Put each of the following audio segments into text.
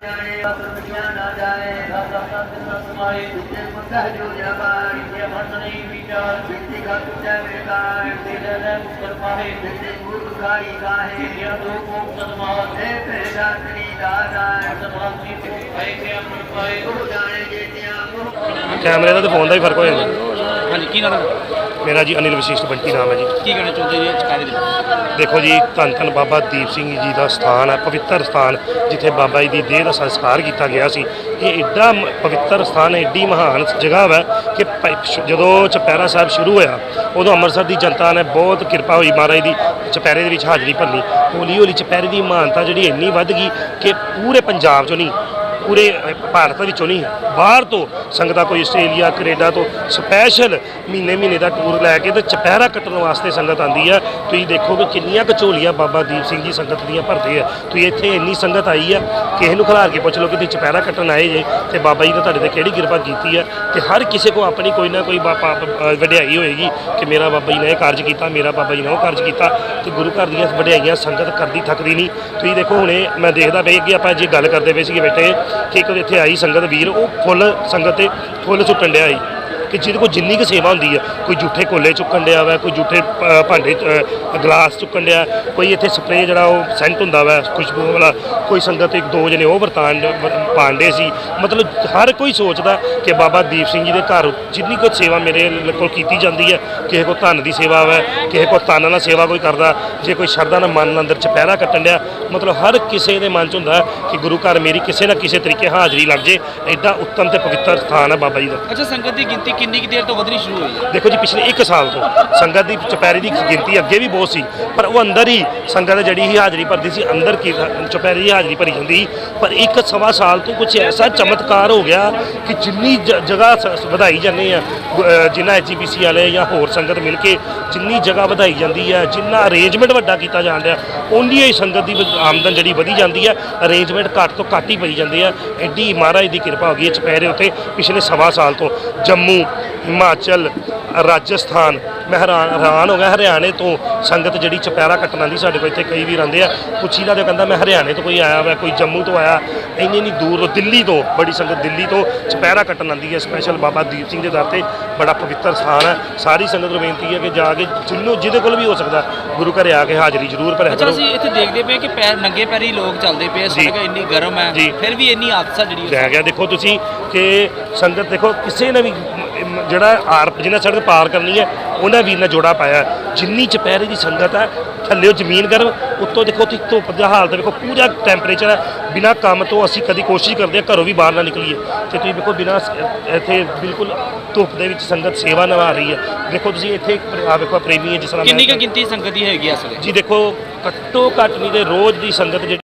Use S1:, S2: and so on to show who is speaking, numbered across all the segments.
S1: कैमरे का तो फोन का भी फर्क हो जाता।
S2: हाँ जी, की नाम है?
S1: मेरा जी अनिल वशिष्ठ बंटी नाम है जी।
S2: की कहना चाहते जी चुकारे दे?
S1: देखो जी, धन धन बाबा दीप सिंह जी का स्थान है, पवित्र स्थान जिथे बाबा जी की देह का संस्कार किया गया सी। ये एडा पवित्र स्थान, एडी महान जगह है कि जो चुपैरा साहब शुरू होया उदों अमृतसर की जनता ने बहुत कृपा हुई महाराज की चुपैरे की हाज़री भरनी। हौली हौली चुपैरे की महानता जी इन्नी वध गई कि पूरे पंजाब चो नहीं, पूरे भारत विचों नहीं, बाहर तो संगत कोई आस्ट्रेलिया कनेडा तो स्पैशल महीने महीने का टूर लैके तो चुपैरा कट्टन वास्ते संगत आती है। तुम देखो कि किनिया झोलियाँ बाबा दीप सिंह जी संगत दियाँ भरते हैं। तुम इतने इन्नी संगत आई है, किसी को खिलार के पुछ लो कि तुम चुपैरा कट्टन आए जे तो बाबा जी ने तुहाडे ते किहड़ी कृपा की है। तो हर किसी को अपनी कोई ना कोई वड्याई होएगी कि मेरा बाबा जी ने यह कार्ज किया, मेरा बाबा जी ने वह कार्ज किया। तो गुरु घर दी वड्याइयां संगत करती थकती नहीं। तुम देखो हुणे मैं देखता पे कि आप जे गल करते पे सी बैठे कि एक इत्थे आई संगत वीर, वो फुल संगत ते फुल सुट्टन डिया कि जिहदे कोल जिन्नी क सेवा होंदी है, कोई जूठे कोले चुक्कन डिया वा, कोई जूठे भांडे गलास चुक्कन डिया, कोई इत्थे स्प्रे जिहड़ा वो सेंट हुंदा वा खुशबू वाला, कोई संगत एक दो जने वो बरतान पांडे सी। मतलब हर कोई सोचदा कि बाबा दीप सिंह जी के घर जिन्नी कुछ सेवा मेरे कोल कीती जाती है, किसी को धन की सेवा है, किसी को तन नाल सेवा कोई करदा, जे कोई शरदा नाल मन अंदर चुपैरा कट्टन डिया, मतलब हर किसी के मन च हुंदा कि गुरु घर मेरी किसी ना किसी तरीके हाज़री लग जाए। एडा उत्तम ते पवित्र स्थान है बाबा जी का।
S2: अच्छा, संगत की गिनती कितनी देर तो वधनी शुरू हुई है?
S1: देखो जी, पिछले 1 साल तो संगत की चुपैरे की गिनती अगे भी बहुत सी, पर वो अंदर ही संगत जी ही हाज़री भरती सी, अंदर की चुपैरे की हाज़री भरी जाती। पर 1-1.25 साल तो कुछ ऐसा चमत्कार हो गया कि जिन्नी जगह वधाई जाने जिन्ना HGPC वाले या होर संगत मिल के जिन्नी जगह वधाई जाती है, जिन्ना अरेंजमेंट वड्डा किया जान रहा, उन्नी ही संगत की आमदन जी वधी जाती है। अरेंजमेंट घट तो घट ही पई जाती है। एडी महाराज की कृपा हो गई है चुपैरे उत्ते पिछले 1.25 साल तो। जम्मू, हिमाचल, राजस्थान, मैं हैरान हो गया हरियाणे तो संगत जी चुपैरा कट्टन आती। साढ़े को इतने कई वीर आते हैं, पुछी ना तो कहता मैं हरियाणे तो कोई आया वा, कोई जम्मू तो आया, इन्नी दूर तो दिल्ली तो बड़ी संगत दिल्ली तो चुपैरा कट्टन आती है स्पैशल बाबा दीप सिंह के दर से। बड़ा पवित्र स्थान है। सारी संगत को बेनती है कि जाके जिन्हों जिहदे कोल भी हो सकता गुरु घर आके हाज़री जरूर भरिया करो।
S2: अच्छा, इत्थे देखते पे कि पैर नंगे पैरी लोग चलते पे, सड़क इन्नी गर्म है जी, फिर भी इन्नी हादसा जी
S1: रह गया। देखो तुसी कि संगत देखो किसी ने भी जिहड़ा जिन्हें सड़क पार करनी है उन्हें वीर ने जोड़ा पाया। जिन्नी चुपैरे की संगत है, थल्ले जमीन गर्म, उत्तों देखो धुप्प का हालत देखो, पूरा टैंपरेचर है। बिना काम तो असी कभी कोशिश करते हैं घरों भी बाहर ना निकलीए, तो तुम देखो बिना इतने बिल्कुल धुप्प के संगत सेवा निभा रही है। देखो तुम इतने देखो प्रेमी है जिस तरह
S2: कितनी गिनती संगत की हैगी इस वेले
S1: जी? देखो घट्टो घट नहीं तो रोज़ की संगत जी।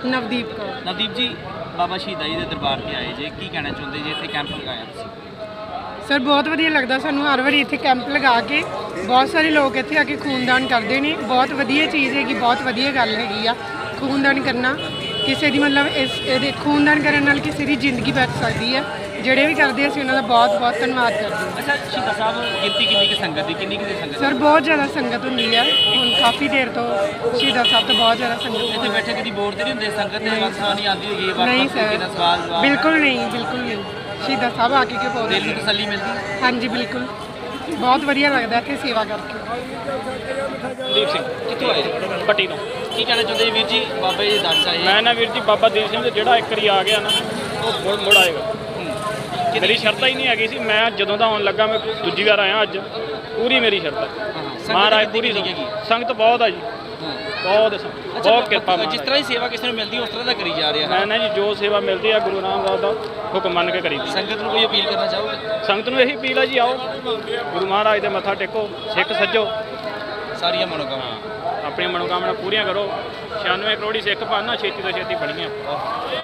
S2: नवदीप जी, बाबा शहीदा जी के दरबार से आए जे, की कहना चाहते जी? इतने कैंप लगाया तुसीं?
S3: सर बहुत वधिया लगता सानू हर वारी इत्थे कैंप लगा के। बहुत सारे लोग इत्थे आके खूनदान करते हैं, बहुत वधिया चीज़ हैगी, बहुत वधिया गल हैगी आ। खूनदान करना किसी की मतलब इस खूनदान करने नाल किसी की जिंदगी बच सकती है। ਜਿਹੜੇ भी करते ਅਸੀਂ ਉਹਨਾਂ ਦਾ ਬਹੁਤ ਬਹੁਤ ਧੰਨਵਾਦ ਕਰਦੇ ਹਾਂ।
S2: अच्छा, शहीदा साहब गिनती कितनी की संगत की, कितनी की संगत?
S3: सर बहुत ज़्यादा संगत होंगी है, ਹੁਣ काफ़ी देर तो शहीदा साहब तो बहुत ज़्यादा संगत
S2: ਇੱਥੇ ਬੈਠੇ ਕਦੀ ਬੋਰ ਤੇ ਨਹੀਂ ਹੁੰਦੇ ਸੰਗਤ ਦੇ ਵਕਤਾਂ ਆਉਂਦੀ ਹੋਗੀ
S3: नहीं
S2: ਵਕਤ
S3: सर,
S2: ਕਿਹਦਾ ਸਵਾਲ ਜਵਾਬ?
S3: बिल्कुल नहीं, बिल्कुल नहीं। शहीदा साहब आके क्यों बोलते
S2: ਦਿਲ ਨੂੰ ਤਸੱਲੀ ਮਿਲਦੀ?
S3: हाँ जी बिल्कुल, बहुत वधिया लगता इत्थे सेवा करके।
S2: ਦੀਪ ਸਿੰਘ ਕਿੱਥੋਂ ਆਏ? ਪੱਟੀ ਤੋਂ। ਕੀ ਕਹਿਣਾ ਚਾਹੁੰਦੇ ਜੀ ਵੀਰ ਜੀ ਬਾਬਾ ਜੀ ਦੇ ਦਰ 'ਚ ਆਏ?
S4: ਮੈਂ ਨਾ ਵੀਰ ਜੀ ਬਾਬਾ ਦੀਪ ਸਿੰਘ ਜਿਹੜਾ ਇੱਕ ਵਾਰੀ ਆ ਗਿਆ ਨਾ ਉਹ ਮੁੜ ਆਏਗਾ। ਮੇਰੀ ਸ਼ਰਤ ਹੀ ਨਹੀਂ ਹੈਗੀ ਸੀ, ਮੈਂ ਜਦੋਂ ਦਾ ਆਉਣ ਲੱਗਾ ਮੈਂ ਦੂਜੀ ਵਾਰ ਆਇਆ ਅੱਜ, ਪੂਰੀ ਮੇਰੀ ਸ਼ਰਤ ਹੈ। ਮਹਾਰਾਜ ਪੂਰੀ ਸੰਗਤ ਬਹੁਤ ਆ ਜੀ, ਬਹੁਤ ਬਹੁਤ ਕਿਰਪਾ।
S2: ਜਿਸ ਤਰ੍ਹਾਂ ਦੀ ਸੇਵਾ ਕਿਸੇ ਨੂੰ ਮਿਲਦੀ ਉਸ ਤਰ੍ਹਾਂ ਦਾ ਕਰੀ ਜਾ ਰਿਹਾ
S4: ਮੈਂ ਨਾ ਜੀ ਜੋ ਸੇਵਾ ਮਿਲਦੀ ਆ ਗੁਰੂ ਰਾਮਦਾਸ ਦਾ ਹੁਕਮ ਮੰਨ ਕੇ ਕਰੀ।
S2: ਸੰਗਤ ਨੂੰ ਕੋਈ ਅਪੀਲ ਕਰਨਾ ਚਾਹੋਗੇ?
S4: ਸੰਗਤ ਨੂੰ ਇਹੀ ਅਪੀਲ ਆ ਜੀ, ਆਓ ਗੁਰੂ ਮਹਾਰਾਜ ਦੇ ਮੱਥਾ ਟੇਕੋ, ਸਿੱਖ ਸੱਜੋ,
S2: ਸਾਰੀਆਂ ਮਨੋਕਾਮਨਾ
S4: ਆਪਣੀਆਂ ਮਨੋਕਾਮਨਾ ਪੂਰੀਆਂ ਕਰੋ। 96 ਕਰੋੜੀ ਸਿੱਖ ਪਾਣਾ ਛੇਤੀ ਤੋਂ ਛੇਤੀ ਬਣੀਆਂ।